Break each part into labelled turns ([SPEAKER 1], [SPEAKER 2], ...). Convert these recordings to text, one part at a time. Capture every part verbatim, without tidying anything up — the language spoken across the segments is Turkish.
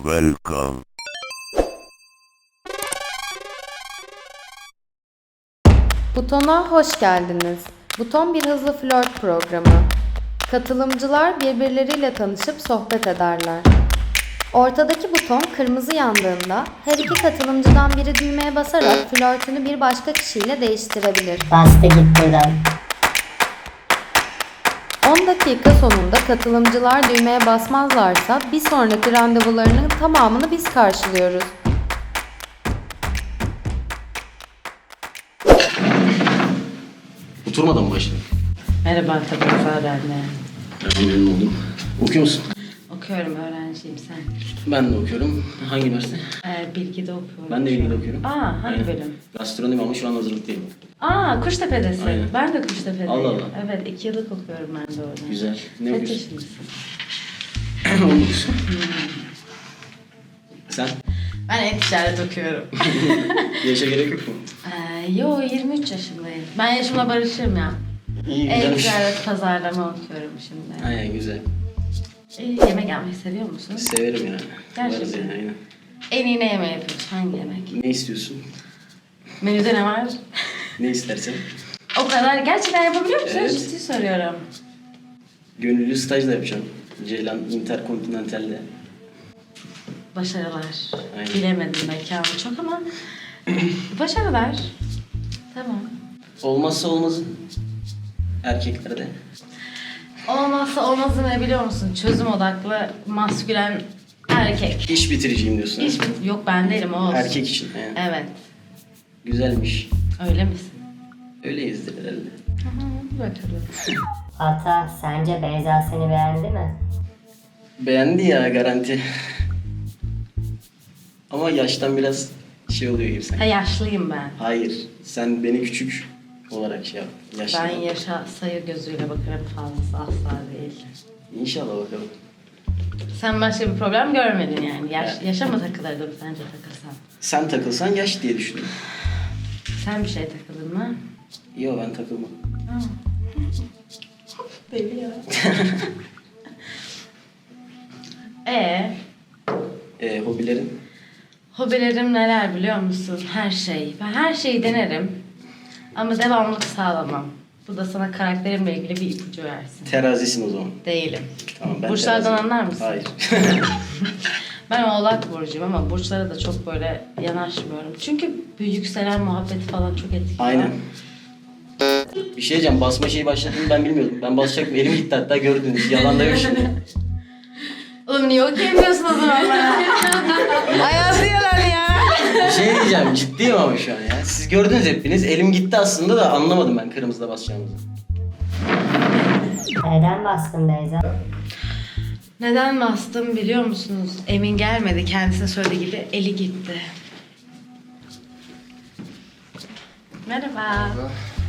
[SPEAKER 1] Welcome.
[SPEAKER 2] Butona hoş geldiniz. Buton bir hızlı flört programı. Katılımcılar birbirleriyle tanışıp sohbet ederler. Ortadaki buton kırmızı yandığında her iki katılımcıdan biri düğmeye basarak flörtünü bir başka kişiyle değiştirebilir.
[SPEAKER 3] Bastı git buradan.
[SPEAKER 2] on dakika sonunda katılımcılar düğmeye basmazlarsa bir sonraki randevularının tamamını biz karşılıyoruz.
[SPEAKER 4] Oturmadan mı başladın?
[SPEAKER 5] Merhaba, tabii ben de.
[SPEAKER 4] Ben memnun oldum. Okuyor musun?
[SPEAKER 5] Okuyorum, öğrenciyim sen.
[SPEAKER 4] Ben de okuyorum. Hangi üniversite?
[SPEAKER 5] Ee, Bilgi'de okuyorum.
[SPEAKER 4] Ben de
[SPEAKER 5] şu
[SPEAKER 4] Bilgi'de
[SPEAKER 5] an.
[SPEAKER 4] okuyorum.
[SPEAKER 5] Aa, hangi
[SPEAKER 4] Aynen.
[SPEAKER 5] bölüm?
[SPEAKER 4] Gastronomi ama şu an hazırlıktayım.
[SPEAKER 5] Aa, Kuştepe'desin.
[SPEAKER 4] Aynen.
[SPEAKER 5] Ben de Kuştepe'deyim.
[SPEAKER 4] Allah Allah.
[SPEAKER 5] Evet, iki yıllık okuyorum ben de orada.
[SPEAKER 4] Güzel. Ne
[SPEAKER 5] Kaç
[SPEAKER 4] okuyorsun?
[SPEAKER 5] yaşındasın?
[SPEAKER 4] on dokuz. Sen?
[SPEAKER 5] Ben e-ticaret okuyorum.
[SPEAKER 4] Yaşa gerek yok mu?
[SPEAKER 5] ee, yo, yirmi üç yaşındayım. Ben yaşımla barışırım ya.
[SPEAKER 4] İyi, güzelmiş.
[SPEAKER 5] E-ticaret pazarlama okuyorum şimdi.
[SPEAKER 4] Aynen, güzel.
[SPEAKER 5] Ee, yemek yapmayı seviyor musun?
[SPEAKER 4] Severim yani.
[SPEAKER 5] Gerçekten.
[SPEAKER 4] Varız yani, aynen.
[SPEAKER 5] En iyi ne yemeği yapıyorsun? Hangi yemek?
[SPEAKER 4] Ne istiyorsun?
[SPEAKER 5] Menüde ne var?
[SPEAKER 4] Ne istersen.
[SPEAKER 5] O kadar. Gerçekten yapabiliyor musun?
[SPEAKER 4] Evet.
[SPEAKER 5] Ciddi soruyorum.
[SPEAKER 4] Gönüllü staj da yapacağım. Ceylan Intercontinental'de.
[SPEAKER 5] Başarılar.
[SPEAKER 4] Aynen.
[SPEAKER 5] Bilemedim mekanı çok ama başarılar. Tamam.
[SPEAKER 4] Olmazsa olmazın erkeklerde.
[SPEAKER 5] Olmazsa olmazı ne biliyor musun? Çözüm odaklı, maskülen erkek.
[SPEAKER 4] İş bitiriciyim diyorsun.
[SPEAKER 5] Hiç yok ben değilim o olsun.
[SPEAKER 4] Erkek için. Yani.
[SPEAKER 5] Evet.
[SPEAKER 4] Güzelmiş.
[SPEAKER 5] Öyle misin?
[SPEAKER 4] Öyleyiz herhalde.
[SPEAKER 5] Hı, bakalım.
[SPEAKER 3] Ata, sence Beyza seni beğendi mi?
[SPEAKER 4] Beğendi ya, garanti. Ama yaştan biraz şey oluyor gibi
[SPEAKER 5] Ha,
[SPEAKER 4] sanki.
[SPEAKER 5] yaşlıyım ben.
[SPEAKER 4] Hayır, sen beni küçük olarak şey yap. Yaşlı.
[SPEAKER 5] Ben yaşa sayı gözüyle bakarım fazlası asla değil.
[SPEAKER 4] İnşallah bakalım.
[SPEAKER 5] Sen başka bir problem görmedin yani. Yaş,
[SPEAKER 4] Evet.
[SPEAKER 5] yaşa mı takılırdım sence takılsan?
[SPEAKER 4] Sen takılsan yaş diye düşündüm.
[SPEAKER 5] Sen bir şey takıldın mı?
[SPEAKER 4] Yo, ben takılmam.
[SPEAKER 5] Deli ya. Ee,
[SPEAKER 4] Ee, hobilerin?
[SPEAKER 5] hobilerim neler biliyor musun? Her şey. Ben her şeyi denerim. Ama devamlılık sağlamam. Bu da sana karakterimle ilgili bir ipucu versin.
[SPEAKER 4] Terazisin o zaman.
[SPEAKER 5] Değilim.
[SPEAKER 4] Tamam, ben
[SPEAKER 5] Burçlardan
[SPEAKER 4] teraziyim.
[SPEAKER 5] anlar mısın?
[SPEAKER 4] Hayır.
[SPEAKER 5] Ben Oğlak burcuyum ama burçlara da çok böyle yanaşmıyorum. Çünkü bu yükselen muhabbeti falan çok etkili.
[SPEAKER 4] Aynen. Bir şey diyeceğim, basma şeyi başladığını ben bilmiyordum. Ben basacaktım, elim gitti hatta, gördünüz. Yalan da yok şimdi.
[SPEAKER 5] Oğlum niye okuyamıyorsun o zaman bana? Ayazı yalan ya.
[SPEAKER 4] Bir şey diyeceğim, ciddiyim ama şu an ya. Siz gördünüz hepiniz, elim gitti aslında da anlamadım ben kırmızıda basacağımızı.
[SPEAKER 3] Neden bastın Beyza?
[SPEAKER 5] Neden bastım biliyor musunuz? Emin gelmedi. Kendisine söylediği gibi eli gitti. Merhaba.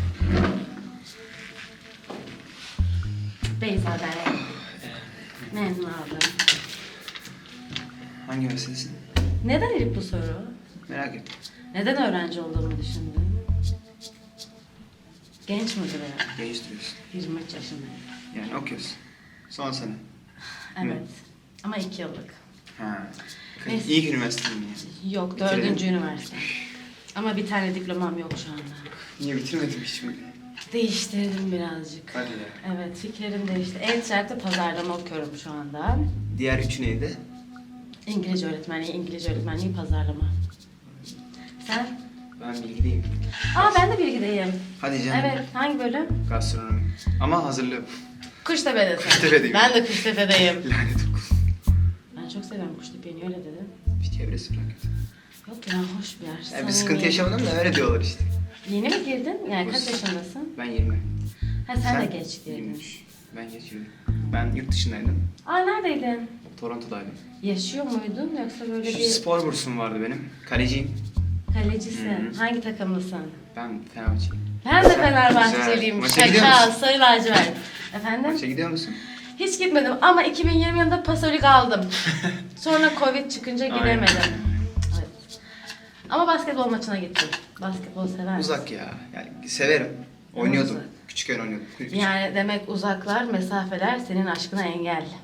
[SPEAKER 5] Beyza ben. Memnun oldum.
[SPEAKER 6] Hangi üniversitesin?
[SPEAKER 5] Neden ilk bu soru?
[SPEAKER 6] Merak ettim.
[SPEAKER 5] Neden öğrenci olduğumu düşündün? Genç mi duruyor?
[SPEAKER 6] Genç duruyorsun.
[SPEAKER 5] yirmi üç yaşındayım.
[SPEAKER 6] Yani okuyorsun. Son sene.
[SPEAKER 5] Evet. Ama iki yıllık.
[SPEAKER 6] Ha.
[SPEAKER 5] Neyse.
[SPEAKER 6] İlk üniversite mi yani?
[SPEAKER 5] Yok,
[SPEAKER 6] Bitirelim.
[SPEAKER 5] dördüncü üniversite. Ama bir tane diplomam yok şu anda.
[SPEAKER 6] Niye bitirmedim hiç mi?
[SPEAKER 5] Değiştirdim birazcık.
[SPEAKER 6] Hadi ya.
[SPEAKER 5] Evet, fikrim değişti. E-ticarette pazarlama okuyorum şu anda.
[SPEAKER 6] Diğer üçü neydi?
[SPEAKER 5] İngilizce öğretmenliği, İngilizce öğretmenliği, pazarlama. Sen?
[SPEAKER 6] Ben bilgideyim.
[SPEAKER 5] Aa, ben de bilgideyim.
[SPEAKER 6] Hadi canım.
[SPEAKER 5] Evet, hangi bölüm?
[SPEAKER 6] Gastronomi. Ama hazırlığı.
[SPEAKER 5] Kuştepe'desin.
[SPEAKER 6] Kuştepe'deyim.
[SPEAKER 5] Ben de Kuştepe'deyim.
[SPEAKER 6] Lanet olsun.
[SPEAKER 5] Ben çok seviyorum Kuştepe'yi, niye öyle dedin?
[SPEAKER 6] Bir çevresi falan kötü.
[SPEAKER 5] Yok ya, hoş bir yer.
[SPEAKER 6] Yani
[SPEAKER 5] Samimi.
[SPEAKER 6] bir sıkıntı yaşamadım da öyle diyorlar işte.
[SPEAKER 5] Yeni mi girdin? Yani kaç yaşındasın?
[SPEAKER 6] Ben yirmi.
[SPEAKER 5] Ha, sen, de geç girdin.
[SPEAKER 6] yirmi üç. Ben geç girdim. Ben yurt dışındaydım.
[SPEAKER 5] Aa, neredeydin?
[SPEAKER 6] Toronto'daydım.
[SPEAKER 5] Yaşıyor muydun yoksa böyle
[SPEAKER 6] Şu
[SPEAKER 5] bir
[SPEAKER 6] spor bursum vardı benim. Kaleciyim.
[SPEAKER 5] kalecisin?
[SPEAKER 6] Hı.
[SPEAKER 5] Hangi takımlısın?
[SPEAKER 6] Ben Fenerbahçeliyim.
[SPEAKER 5] Ben de
[SPEAKER 6] Güzel.
[SPEAKER 5] Fenerbahçeliyim.
[SPEAKER 6] Maça gidiyor
[SPEAKER 5] Şaka,
[SPEAKER 6] musun?
[SPEAKER 5] sarı lacivert. Efendim?
[SPEAKER 6] Maça gidiyor musun?
[SPEAKER 5] Hiç gitmedim ama iki bin yirmi yılında Pasolik aldım. Sonra Covid çıkınca
[SPEAKER 6] Aynen.
[SPEAKER 5] gidemedim. Evet. Ama basketbol maçına gittim. Basketbol sever misin?
[SPEAKER 6] Uzak ya. Yani severim. Oynuyordum.
[SPEAKER 5] uzak.
[SPEAKER 6] Küçükken oynuyordum. Küçük.
[SPEAKER 5] Yani demek uzaklar, mesafeler senin aşkına engel.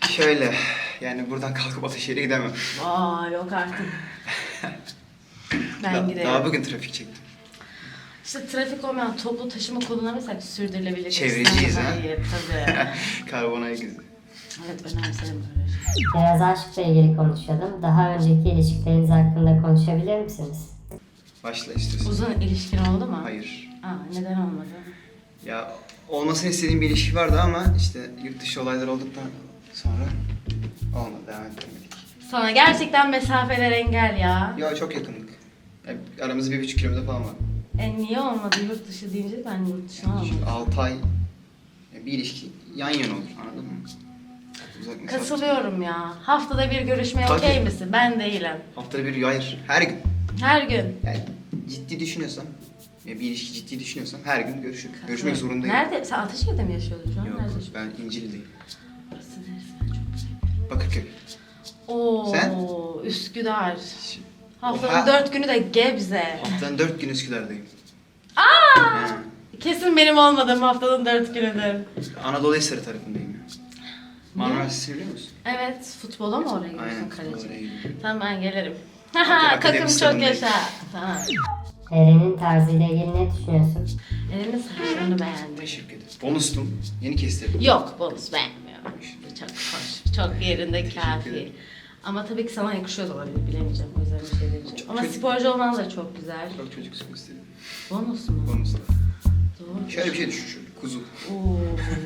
[SPEAKER 6] Şöyle, yani buradan kalkıp Ataşehir'e gidemem.
[SPEAKER 5] Aa yok artık. Ben
[SPEAKER 6] Da-
[SPEAKER 5] giderim.
[SPEAKER 6] Daha bugün trafik çektim.
[SPEAKER 5] İşte trafik olmayan toplu taşıma kullanırsak sürdürülebilir.
[SPEAKER 6] Çevreciyiz ha.
[SPEAKER 5] Hayır tabii.
[SPEAKER 6] Karbon ayak izi.
[SPEAKER 5] Evet önemserim böyle şey.
[SPEAKER 3] Biraz aşkla ilgili konuşuyordum. Daha önceki ilişkileriniz hakkında konuşabilir misiniz?
[SPEAKER 6] Başla istiyorsan.
[SPEAKER 5] Uzun ilişkin oldu mu?
[SPEAKER 6] Hayır.
[SPEAKER 5] Aa neden olmadı?
[SPEAKER 6] Ya olmasını istediğim bir ilişki vardı ama işte yurt dışı olaylar olduktan sonra olmadı, devam etmedik.
[SPEAKER 5] Sana gerçekten mesafeler engel ya.
[SPEAKER 6] Ya çok yakındık. Ya, aramızda bir buçuk kilometre falan var.
[SPEAKER 5] E niye olmadı yurt dışı deyince ben yurt dışına
[SPEAKER 6] Yani
[SPEAKER 5] almadım.
[SPEAKER 6] çünkü altı ay ya bir ilişki yan yana olur, anladın mı? Uzak mesafe.
[SPEAKER 5] Katılıyorum ya. Haftada bir görüşmeye
[SPEAKER 6] Tabii.
[SPEAKER 5] okey misin? Ben değilim.
[SPEAKER 6] Haftada bir, hayır, her gün.
[SPEAKER 5] Her gün.
[SPEAKER 6] Yani ciddi düşünüyorsam, ya bir ilişki ciddi düşünüyorsam her gün görüşür. Görüşmek zorundayım.
[SPEAKER 5] Nerede? Sen Ataşehir'de mi yaşıyordun şu an?
[SPEAKER 6] Yok,
[SPEAKER 5] Nerede yaşıyorsun?
[SPEAKER 6] ben İncil'deyim.
[SPEAKER 5] Burası neresi? Ben çok güzel.
[SPEAKER 6] Bakırköy.
[SPEAKER 5] Oo,
[SPEAKER 6] Sen?
[SPEAKER 5] Üsküdar.
[SPEAKER 6] Şi-
[SPEAKER 5] Haftanın
[SPEAKER 6] Oha.
[SPEAKER 5] dört günü de Gebze.
[SPEAKER 6] Haftanın dört gün Üsküdar'dayım.
[SPEAKER 5] Aa!
[SPEAKER 6] Ha.
[SPEAKER 5] Kesin benim olmadığım haftanın dört günüdür.
[SPEAKER 6] Anadolu Hisarı tarafındayım ya. Marmara Üniversitesi biliyor musun?
[SPEAKER 5] Evet, futbola mı oraya gidiyorsun
[SPEAKER 6] Aynen,
[SPEAKER 5] kaleci?
[SPEAKER 6] oraya gidiyorum.
[SPEAKER 5] Tamam ben gelirim.
[SPEAKER 6] Akademi
[SPEAKER 5] Haha, takım çok
[SPEAKER 6] stadındayım.
[SPEAKER 5] yaşa. Tamam.
[SPEAKER 3] Eren'in tarzıyla ilgili ne düşünüyorsun?
[SPEAKER 5] Elimin saçlarını beğendim.
[SPEAKER 6] Teşekkür ederim. Bonustum. Yeni kestirdim.
[SPEAKER 5] Yok, bonus beğenmiyorum. Çok hoş, çok yerinde
[SPEAKER 6] Teşekkür
[SPEAKER 5] kafi.
[SPEAKER 6] ederim.
[SPEAKER 5] Ama tabii ki sana yakışıyor da olabilir, bilemeyeceğim. O yüzden bir şey demeyeceğim.
[SPEAKER 6] Çok
[SPEAKER 5] Ama
[SPEAKER 6] çocuk-
[SPEAKER 5] sporcu olman da çok güzel.
[SPEAKER 6] Çok çocuksun istedim.
[SPEAKER 5] Bonus mu?
[SPEAKER 6] Bonusla.
[SPEAKER 5] Doğru.
[SPEAKER 6] Şöyle bir şey düşün şöyle. Kuzu.
[SPEAKER 5] Oo.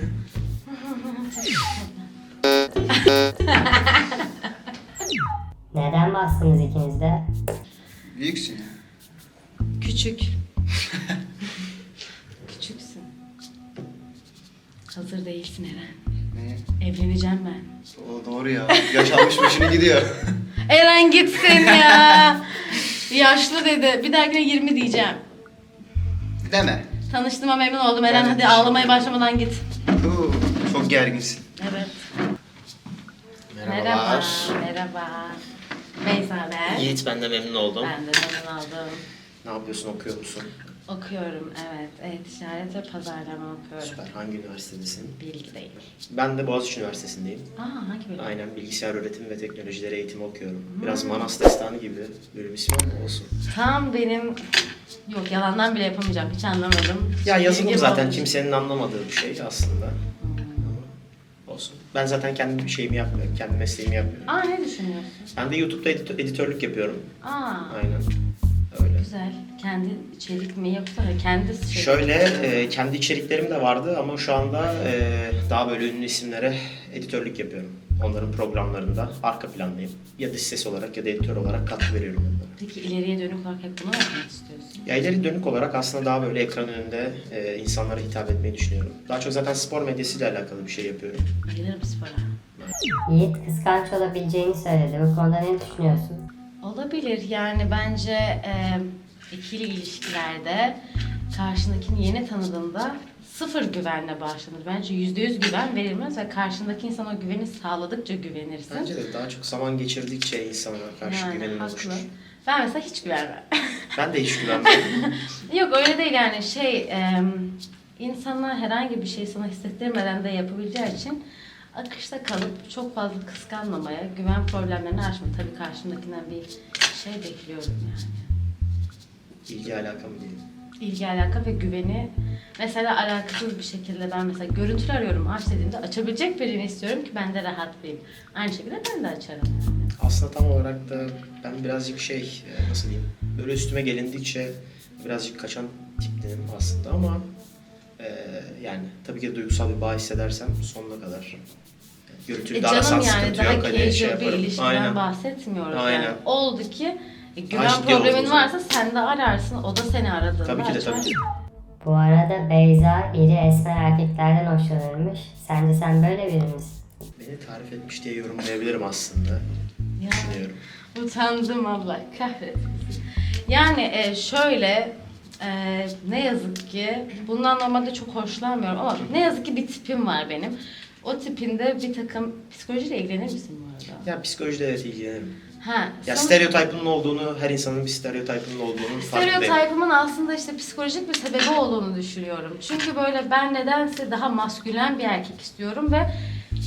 [SPEAKER 3] Neden bastınız ikiniz de?
[SPEAKER 6] Büyüksün ya.
[SPEAKER 5] Küçük. Küçüksün. Hazır değilsin Eren.
[SPEAKER 6] Ne?
[SPEAKER 5] Evleneceğim ben.
[SPEAKER 6] O doğru ya. Yaş almış başını gidiyor.
[SPEAKER 5] Eren gitsin ya. Yaşlı dedi. Bir dahakine yirmi diyeceğim.
[SPEAKER 6] Deme.
[SPEAKER 5] Tanıştığıma memnun oldum Eren.
[SPEAKER 6] Ben de
[SPEAKER 5] Hadi
[SPEAKER 6] teşekkür
[SPEAKER 5] ağlamaya
[SPEAKER 6] ederim.
[SPEAKER 5] başlamadan git.
[SPEAKER 6] Oo, çok gerginsin.
[SPEAKER 5] Evet.
[SPEAKER 4] Merhabalar.
[SPEAKER 5] Merhaba. Merhaba. Beyza ben.
[SPEAKER 4] Yiğit, ben de memnun oldum.
[SPEAKER 5] Ben de memnun oldum.
[SPEAKER 4] Ne yapıyorsun, okuyor musun?
[SPEAKER 5] Okuyorum evet. E-ticaret ve pazarlama okuyorum.
[SPEAKER 4] Süper. Hangi üniversitedesin?
[SPEAKER 5] Bilgideyim.
[SPEAKER 4] Ben de Boğaziçi Üniversitesi'ndeyim.
[SPEAKER 5] Aa hangi bölüm?
[SPEAKER 4] Aynen, bilgisayar öğretimi ve teknolojileri eğitimi okuyorum. Biraz Manas Destanı gibi bölüm ismi ama olsun.
[SPEAKER 5] Tam benim... Yok yalandan bile yapamayacağım. Hiç anlamadım.
[SPEAKER 4] Ya yazılım
[SPEAKER 5] Bilgi
[SPEAKER 4] zaten
[SPEAKER 5] olmuş.
[SPEAKER 4] kimsenin anlamadığı bir şey aslında. Ama olsun. Ben zaten kendi bir şeyimi yapmıyorum, kendi mesleğimi yapmıyorum.
[SPEAKER 5] Aa ne düşünüyorsun?
[SPEAKER 4] Ben de YouTube'da editör- editörlük yapıyorum.
[SPEAKER 5] Aa
[SPEAKER 4] Aynen. Öyle.
[SPEAKER 5] güzel. Kendi içerik mi yoksa kendi şey.
[SPEAKER 4] Şöyle, e, kendi içeriklerim de vardı ama şu anda e, daha böyle ünlü isimlere editörlük yapıyorum. Onların programlarında arka plandayım. Ya dış ses olarak ya da editör olarak katkı veriyorum onlara.
[SPEAKER 5] Peki ileriye dönük olarak hep bunu mu yapmak istiyorsun?
[SPEAKER 4] Ya ileri dönük olarak aslında daha böyle ekran önünde e, insanlara hitap etmeyi düşünüyorum. Daha çok zaten spor medyasıyla alakalı bir şey yapıyorum.
[SPEAKER 5] Bayılırım spora.
[SPEAKER 3] Yiğit kıskanç olabileceğini söyledi. Bu konuda ne düşünüyorsun?
[SPEAKER 5] Olabilir yani bence e, ikili ilişkilerde karşındakini yeni tanıdığında sıfır güvenle başlanır. Bence yüzde yüz güven verilmez ve karşındaki insana o güveni sağladıkça güvenirsin.
[SPEAKER 4] Bence de daha çok zaman geçirdikçe insana karşı
[SPEAKER 5] Yani
[SPEAKER 4] güvenin
[SPEAKER 5] haklı.
[SPEAKER 4] oluşur.
[SPEAKER 5] Ben mesela hiç güvenmem.
[SPEAKER 4] Ben de hiç güvenmiyorum.
[SPEAKER 5] Yok öyle değil yani şey e, insana herhangi bir şey sana hissettirmeden de yapabileceği için akışta kalıp çok fazla kıskanmamaya, güven problemlerini aşma. Tabii karşımdakinden bir şey bekliyorum yani.
[SPEAKER 4] İlgi alaka mı diyeyim?
[SPEAKER 5] İlgi alaka ve güveni mesela alakasız bir şekilde ben mesela görüntülü arıyorum aç dediğimde açabilecek birini istiyorum ki ben de rahatlayayım. Aynı şekilde ben de açarım yani.
[SPEAKER 4] Aslında tam olarak da ben birazcık şey, e, nasıl diyeyim, böyle üstüme gelindikçe birazcık kaçan tiptenim aslında ama e, yani tabii ki duygusal bir bağ hissedersem sonuna kadar. Yani görüntülü
[SPEAKER 5] E
[SPEAKER 4] de arasam
[SPEAKER 5] canım yani
[SPEAKER 4] sıkıntı
[SPEAKER 5] daha
[SPEAKER 4] yok, hani
[SPEAKER 5] casual
[SPEAKER 4] şey
[SPEAKER 5] bir
[SPEAKER 4] yaparım.
[SPEAKER 5] ilişkiden
[SPEAKER 4] Aynen.
[SPEAKER 5] bahsetmiyoruz
[SPEAKER 4] Aynen.
[SPEAKER 5] yani. Oldu ki e, güven
[SPEAKER 4] Ha, ciddi
[SPEAKER 5] problemin
[SPEAKER 4] oldu.
[SPEAKER 5] varsa sen de ararsın, o da seni aradığında
[SPEAKER 4] Tabii ki de
[SPEAKER 5] açar.
[SPEAKER 4] tabii ki.
[SPEAKER 3] Bu arada Beyza iri esmer erkeklerden hoşlanırmış. Sence sen böyle biri misin?
[SPEAKER 4] Beni tarif etmiş diye yorumlayabilirim aslında.
[SPEAKER 5] Ya.
[SPEAKER 4] Düşünüyorum.
[SPEAKER 5] Utandım Allah kahretsin. Yani e, şöyle e, ne yazık ki bundan normalde çok hoşlanmıyorum ama ne yazık ki bir tipim var benim. O tipinde bir takım psikolojiyle ilgilenir misin bu arada?
[SPEAKER 4] Ya psikolojide evet ilgilenirim.
[SPEAKER 5] Ha,
[SPEAKER 4] Ya
[SPEAKER 5] sonuç-
[SPEAKER 4] stereotipinin olduğunu, her insanın bir stereotipinin olduğunu farkındayım.
[SPEAKER 5] Stereotipimin aslında işte psikolojik bir sebebi olduğunu düşünüyorum. Çünkü böyle ben nedense daha maskülen bir erkek istiyorum ve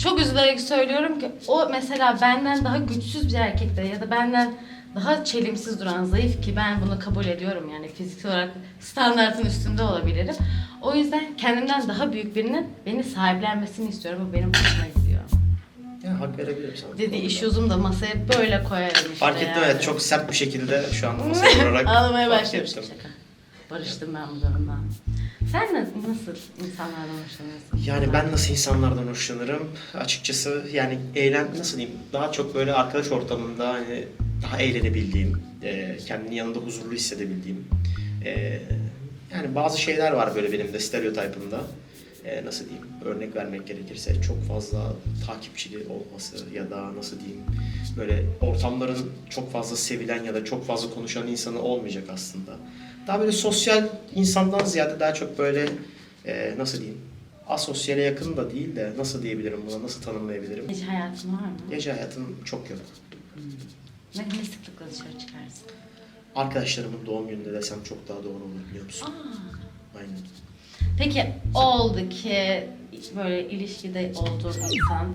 [SPEAKER 5] çok üzülerek söylüyorum ki o mesela benden daha güçsüz bir erkekte ya da benden daha çelimsiz duran, zayıf ki ben bunu kabul ediyorum yani fiziksel olarak standartın üstünde olabilirim. O yüzden kendimden daha büyük birinin beni sahiplenmesini istiyorum. Bu benim hoşuma gidiyor.
[SPEAKER 4] Ya hak verebilirim sana.
[SPEAKER 5] Dedi işuzum da masaya böyle koyarım işte.
[SPEAKER 4] Fark ettim
[SPEAKER 5] yani.
[SPEAKER 4] evet, çok sert bir şekilde şu an masaya vurarak
[SPEAKER 5] Ağlamaya
[SPEAKER 4] fark
[SPEAKER 5] başladım.
[SPEAKER 4] ettim.
[SPEAKER 5] Şaka. Barıştım ben bu durumdan. Sen nasıl, nasıl insanlardan hoşlanıyorsun?
[SPEAKER 4] Yani ben nasıl insanlardan hoşlanırım? Açıkçası yani eğlen nasıl diyeyim? Daha çok böyle arkadaş ortamında hani daha eğlenebildiğim, e, kendini yanında huzurlu hissedebildiğim. E, yani bazı şeyler var böyle benim de stereotipimde. E, nasıl diyeyim? Örnek vermek gerekirse çok fazla takipçili olması ya da nasıl diyeyim? Böyle ortamların çok fazla sevilen ya da çok fazla konuşan insanı olmayacak aslında. Daha böyle sosyal insandan ziyade daha çok böyle e, nasıl diyeyim? Asosyale yakın da değil de nasıl diyebilirim buna, nasıl tanımlayabilirim?
[SPEAKER 5] Gece hayatın var mı?
[SPEAKER 4] Gece hayatım çok yok.
[SPEAKER 5] Ne, ne sıklıkla dışarı çıkarsın?
[SPEAKER 4] Arkadaşlarımın doğum gününde desem çok daha doğru olur biliyor musun?
[SPEAKER 5] Aa.
[SPEAKER 4] Aynen.
[SPEAKER 5] Peki oldu ki böyle ilişkide olduğun insan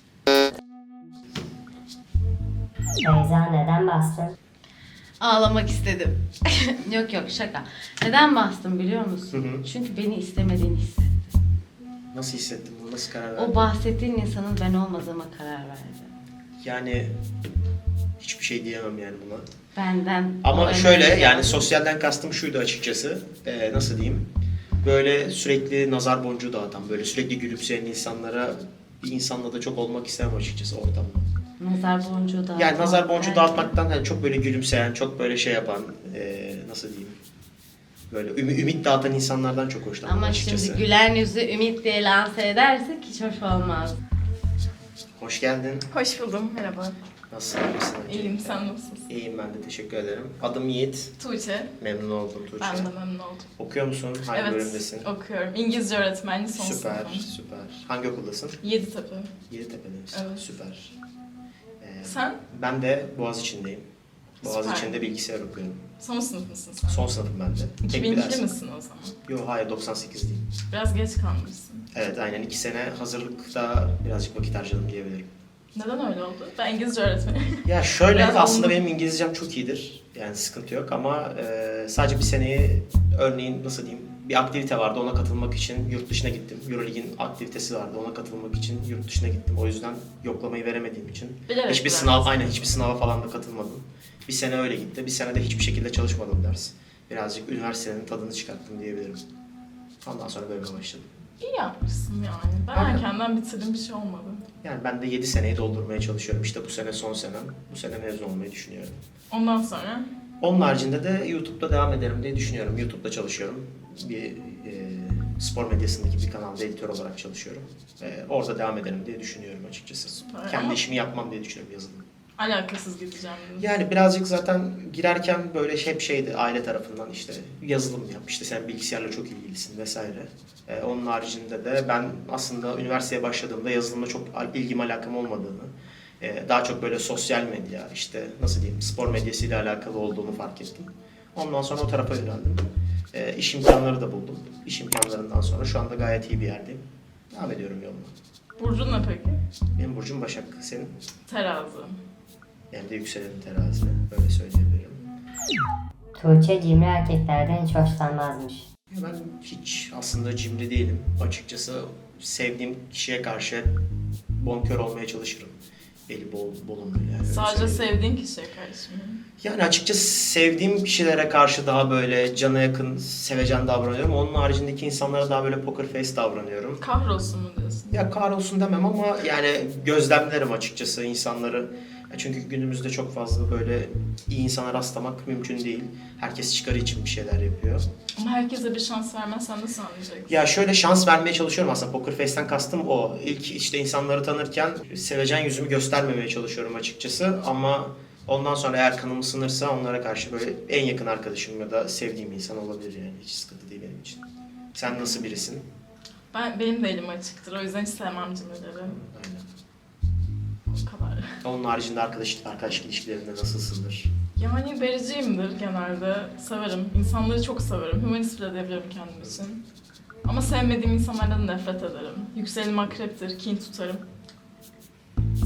[SPEAKER 3] Beyza neden bastın?
[SPEAKER 5] ağlamak istedim. Yok yok şaka. Neden bastım biliyor musun?
[SPEAKER 4] Hı hı.
[SPEAKER 5] Çünkü beni istemediğini hissettim.
[SPEAKER 4] Nasıl hissettin bunu? Nasıl karar verdin?
[SPEAKER 5] O bahsettiğin insanın ben olmadığıma karar verdi.
[SPEAKER 4] Yani hiçbir şey diyemem yani buna.
[SPEAKER 5] Benden.
[SPEAKER 4] Ama
[SPEAKER 5] o
[SPEAKER 4] şöyle
[SPEAKER 5] enerjiyi
[SPEAKER 4] yani
[SPEAKER 5] aldı.
[SPEAKER 4] sosyalden kastım şuydu açıkçası. Ee, nasıl diyeyim? Böyle sürekli nazar boncuğu dağıtan, böyle sürekli gülümseyen insanlara bir insanla da çok olmak istemem açıkçası ortamda.
[SPEAKER 5] Nazar boncuğu dağıtmak.
[SPEAKER 4] Yani nazar boncuğu
[SPEAKER 5] derken-
[SPEAKER 4] dağıtmaktan hani çok böyle gülümseyen, çok böyle şey yapan, ee, nasıl diyeyim? Böyle ümit, ümit dağıtan insanlardan çok hoşlanmam
[SPEAKER 5] Ama
[SPEAKER 4] açıkçası.
[SPEAKER 5] şimdi gülen yüzü ümit diye lanse edersek hiç hoş olmaz.
[SPEAKER 4] Hoş geldin.
[SPEAKER 1] Hoş buldum, merhaba.
[SPEAKER 4] Nasılsın? İyisin?
[SPEAKER 1] İyiyim, sen nasılsın?
[SPEAKER 4] İyiyim ben de, teşekkür ederim. Adım Yiğit.
[SPEAKER 1] Tuğçe,
[SPEAKER 4] Memnun oldum Tuğçe.
[SPEAKER 1] ben de memnun oldum.
[SPEAKER 4] Okuyor musun? Hangi
[SPEAKER 1] evet,
[SPEAKER 4] bölümdesin?
[SPEAKER 1] okuyorum. İngilizce öğretmenliği son
[SPEAKER 4] Süper,
[SPEAKER 1] sınıfım.
[SPEAKER 4] süper. Hangi okuldasın?
[SPEAKER 1] Yeditepe.
[SPEAKER 4] Yeditepe'de misin?
[SPEAKER 1] Evet.
[SPEAKER 4] Süper. Ee,
[SPEAKER 1] Sen?
[SPEAKER 4] Ben de Boğaziçi'ndeyim.
[SPEAKER 1] Süper.
[SPEAKER 4] Boğaziçi'nde bilgisayar okuyorum.
[SPEAKER 1] Son sınıf mısın sen?
[SPEAKER 4] Son sınıfım ben de. Tek bir
[SPEAKER 1] iki bin ikili
[SPEAKER 4] ders.
[SPEAKER 1] misin o zaman?
[SPEAKER 4] Yok hayır doksan sekizliyim.
[SPEAKER 1] Biraz geç kalmışsın.
[SPEAKER 4] Evet aynen iki sene hazırlıkta birazcık vakit harcadım diyebilirim.
[SPEAKER 1] Neden öyle oldu? Ben İngilizce öğretmeniyim.
[SPEAKER 4] Ya şöyle
[SPEAKER 1] Biraz
[SPEAKER 4] aslında
[SPEAKER 1] oldu.
[SPEAKER 4] benim İngilizcem çok iyidir. Yani sıkıntı yok ama e, sadece bir seneyi örneğin nasıl diyeyim bir aktivite vardı ona katılmak için yurt dışına gittim. Euroleague'in aktivitesi vardı ona katılmak için yurt dışına gittim. O yüzden yoklamayı veremediğim için
[SPEAKER 1] Bilerek
[SPEAKER 4] hiçbir
[SPEAKER 1] bıraktın.
[SPEAKER 4] sınav aynen hiçbir sınava falan da katılmadım. Bir sene öyle gitti. Bir sene de hiçbir şekilde çalışmadım ders. Birazcık üniversitenin tadını çıkarttım diyebilirim. Ondan sonra bölüme başladım.
[SPEAKER 1] İyi yapmışsın yani. Ben
[SPEAKER 4] Aynen.
[SPEAKER 1] erkenden bitirdim, bir şey olmadı.
[SPEAKER 4] Yani ben de yedi seneyi doldurmaya çalışıyorum. İşte bu sene son senem. Bu sene mezun olmayı düşünüyorum.
[SPEAKER 1] Ondan sonra
[SPEAKER 4] Onun haricinde de YouTube'da devam ederim diye düşünüyorum. YouTube'da çalışıyorum. Bir e, spor medyasındaki bir kanalda editör olarak çalışıyorum. E, orada devam ederim diye düşünüyorum açıkçası.
[SPEAKER 1] Süper.
[SPEAKER 4] Kendi
[SPEAKER 1] Ama-
[SPEAKER 4] işimi yapmam diye düşünüyorum yazılım.
[SPEAKER 1] alakasız gideceğim dedim.
[SPEAKER 4] Yani birazcık zaten girerken böyle hep şeydi aile tarafından işte yazılım yap, işte sen bilgisayarla çok ilgilisin vesaire. E, onun haricinde de ben aslında üniversiteye başladığımda yazılımla çok ilgim alakam olmadığını, e, daha çok böyle sosyal medya, işte nasıl diyeyim spor medyasıyla alakalı olduğunu fark ettim. Ondan sonra o tarafa yöneldim. E, iş imkanları da buldum. İş imkanlarından sonra şu anda gayet iyi bir yerdeyim. Devam ediyorum yoluma.
[SPEAKER 1] Burcun ne peki?
[SPEAKER 4] Benim burcum Başak, senin?
[SPEAKER 1] Terazi.
[SPEAKER 4] Yani de yükselenim terazi, böyle söyleyebilirim.
[SPEAKER 3] Tuğçe cimri erkeklerden hiç hoşlanmazmış.
[SPEAKER 4] Ya ben hiç aslında cimri değilim. Açıkçası sevdiğim kişiye karşı bonkör olmaya çalışırım. Beli bol, bolum böyle yani. öyle
[SPEAKER 1] Sadece
[SPEAKER 4] söyleyeyim.
[SPEAKER 1] sevdiğin kişiye karşı mı?
[SPEAKER 4] Yani açıkçası sevdiğim kişilere karşı daha böyle cana yakın, sevecen davranıyorum. Onun haricindeki insanlara daha böyle poker face davranıyorum.
[SPEAKER 1] Kahrolsun mu diyorsun?
[SPEAKER 4] Ya kahrolsun demem ama yani gözlemlerim açıkçası insanları. Ya çünkü günümüzde çok fazla böyle iyi insana rastlamak mümkün değil. Herkes çıkarı için bir şeyler yapıyor.
[SPEAKER 1] Ama herkese bir şans vermezsen nasıl anlayacaksın?
[SPEAKER 4] Ya şöyle şans vermeye çalışıyorum aslında. Poker Face'ten kastım o. İlk işte insanları tanırken sevecen yüzümü göstermemeye çalışıyorum açıkçası. Ama ondan sonra eğer kanım ısınırsa onlara karşı böyle en yakın arkadaşım ya da sevdiğim insan olabilir yani. Hiç sıkıntı değil benim için. Sen nasıl birisin?
[SPEAKER 1] Ben, benim de elim açıktır, o yüzden hiç sevmem cimrileri.
[SPEAKER 4] Aynen.
[SPEAKER 1] O kadar.
[SPEAKER 4] Onun haricinde arkadaş, arkadaş ilişkilerinde nasılsındır?
[SPEAKER 1] Yani vericiyimdir genelde, severim. İnsanları çok severim, humanist bile diyebilirim kendim için. Ama sevmediğim insanlardan nefret ederim. Yükselenim akreptir, kin tutarım.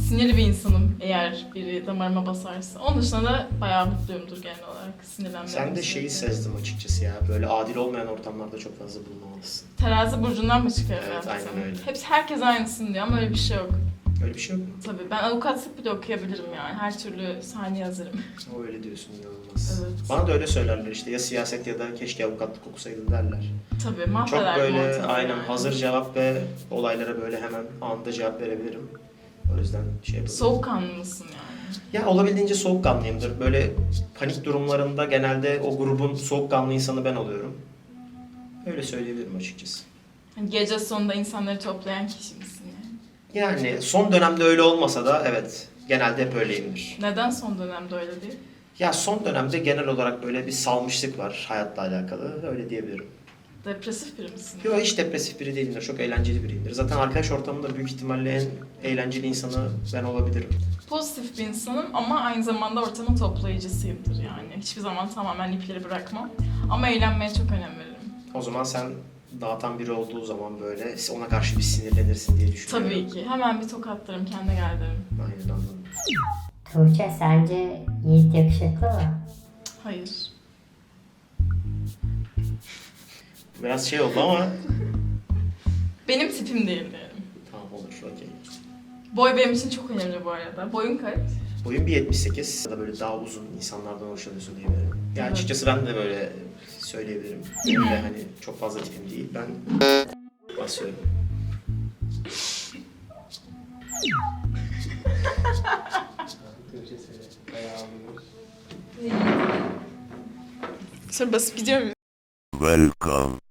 [SPEAKER 1] sinirli bir insanım eğer biri damarıma basarsa. Onun dışında da bayağı mutluyumdur genel olarak sinirlenmem.
[SPEAKER 4] Sen de şeyi sezdim açıkçası ya. Böyle adil olmayan ortamlarda çok fazla bulunmamalısın.
[SPEAKER 1] Terazi burcundan mı çıkıyor?
[SPEAKER 4] Evet,
[SPEAKER 1] hayatım?
[SPEAKER 4] aynen öyle.
[SPEAKER 1] Hepsi herkes aynısın diyor ama öyle bir şey yok.
[SPEAKER 4] Öyle bir şey yok mu?
[SPEAKER 1] Tabii ben avukatlık bile okuyabilirim yani. Her türlü sahne yazarım.
[SPEAKER 4] O öyle diyorsun, inanılmaz.
[SPEAKER 1] Evet.
[SPEAKER 4] Bana da öyle söylerler işte, ya siyaset ya da keşke avukatlık okusaydın derler.
[SPEAKER 1] Tabii
[SPEAKER 4] Çok
[SPEAKER 1] mahveder
[SPEAKER 4] böyle
[SPEAKER 1] ortalığı
[SPEAKER 4] aynen
[SPEAKER 1] yani.
[SPEAKER 4] hazır cevap ve olaylara böyle hemen anında cevap verebilirim. O yüzden şey yapabilirim.
[SPEAKER 1] Soğukkanlı mısın yani?
[SPEAKER 4] Ya olabildiğince soğukkanlıyımdır. Böyle panik durumlarında genelde o grubun soğukkanlı insanı ben oluyorum. Öyle söyleyebilirim açıkçası.
[SPEAKER 1] Hani gece sonunda insanları toplayan kişi misin yani?
[SPEAKER 4] Yani son dönemde öyle olmasa da evet, genelde hep öyleyimdir.
[SPEAKER 1] Neden son dönemde öyle değil?
[SPEAKER 4] Ya son dönemde genel olarak böyle bir salmışlık var hayatla alakalı, öyle diyebilirim.
[SPEAKER 1] Depresif biri misin?
[SPEAKER 4] Yok, hiç depresif biri değilimdir, çok eğlenceli biriyimdir. Zaten arkadaş ortamında büyük ihtimalle en eğlenceli insanı ben olabilirim.
[SPEAKER 1] Pozitif bir insanım ama aynı zamanda ortamın toplayıcısıyımdır yani. Hiçbir zaman tamamen ipleri bırakmam. Ama eğlenmeye çok önem veririm.
[SPEAKER 4] O zaman sen dağıtan biri olduğu zaman böyle ona karşı bir sinirlenirsin diye düşünüyorum.
[SPEAKER 1] Tabii ki. Hemen bir tokatlarım, kendine gel derim.
[SPEAKER 4] Aynen, anladım.
[SPEAKER 3] Tuğçe sence Yiğit yakışıklı mı?
[SPEAKER 1] Hayır.
[SPEAKER 4] Biraz şey oldu ama
[SPEAKER 1] Benim tipim değil diyelim.
[SPEAKER 4] tamam, olur, okey.
[SPEAKER 1] Boy benim için çok önemli bu arada. Boyun kaç?
[SPEAKER 4] Boyum bir yetmiş sekiz ya da böyle daha uzun insanlardan hoşlanıyorsun diyebilirim. Yani
[SPEAKER 1] Evet.
[SPEAKER 4] açıkçası ben de böyle söyleyebilirim. Benim de hani çok fazla tipim değil. Ben basıyorum.
[SPEAKER 1] Sonra basıp gidiyor muyum?
[SPEAKER 7] Welcome